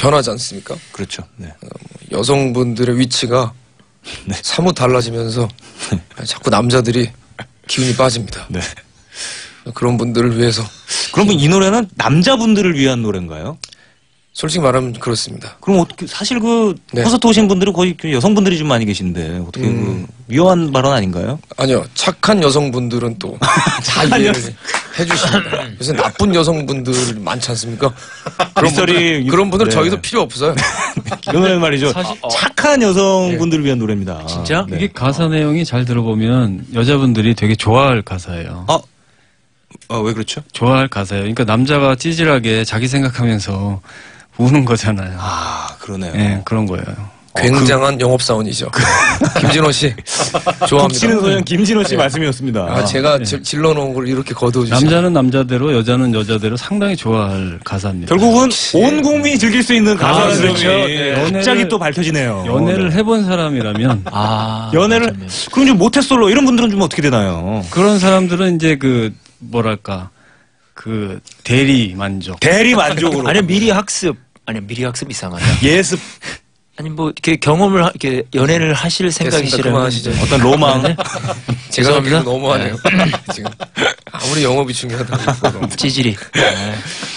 변하지 않습니까? 그렇죠. 네. 여성분들의 위치가 네. 사뭇 달라지면서 자꾸 남자들이 기운이 빠집니다. 네. 그런 분들을 위해서 그러면 이 노래는 남자분들을 위한 노래인가요? 솔직히 말하면 그렇습니다. 그럼 어떻게 사실 그 네. 콘서트 오신 분들은 거의 그 여성분들이 좀 많이 계신데 어떻게 그 위험한 발언 아닌가요? 아니요, 착한 여성분들은 또 다 이해를 해주십니다. 요새 나쁜 여성분들 많지 않습니까? 그런 분들 네. 저희도 필요 없어요. 이 노래는 말이죠. 사실- 착한 여성분들을 위한 노래입니다. 진짜? 네. 이게 가사 내용이 잘 들어보면 여자분들이 되게 좋아할 가사예요. 왜 그렇죠? 좋아할 가사예요. 그러니까 남자가 찌질하게 자기 생각하면서 우는 거잖아요. 그러네요. 네, 그런 거예요. 굉장한 영업사원이죠. 김진호 씨 좋아합니다. 북치는 소년 김진호 씨 말씀이었습니다. 제가 질러놓은 걸 이렇게 거두어주시죠. 남자는 남자대로 여자는 여자대로 상당히 좋아할 가사입니다. 결국은 온 국민이 즐길 수 있는 가사라는 그렇죠. 점이 네. 갑자기 또 밝혀지네요. 연애를 해본 사람이라면 연애를 그럼 좀 모태솔로 이런 분들은 좀 어떻게 되나요? 그런 사람들은 이제 그 뭐랄까 그 대리 만족. 대리 만족으로. 아니면 미리 학습. 아니면 미리 학습 이상하다. 예습. 아니 뭐 이렇게 경험을 이렇게 연애를 하실 생각이시라면 그만하시죠. 어떤 로망. 제가 죄송합니다. 하기도 너무하네요. 지금 아무리 영업이 중요하다고 찌질이.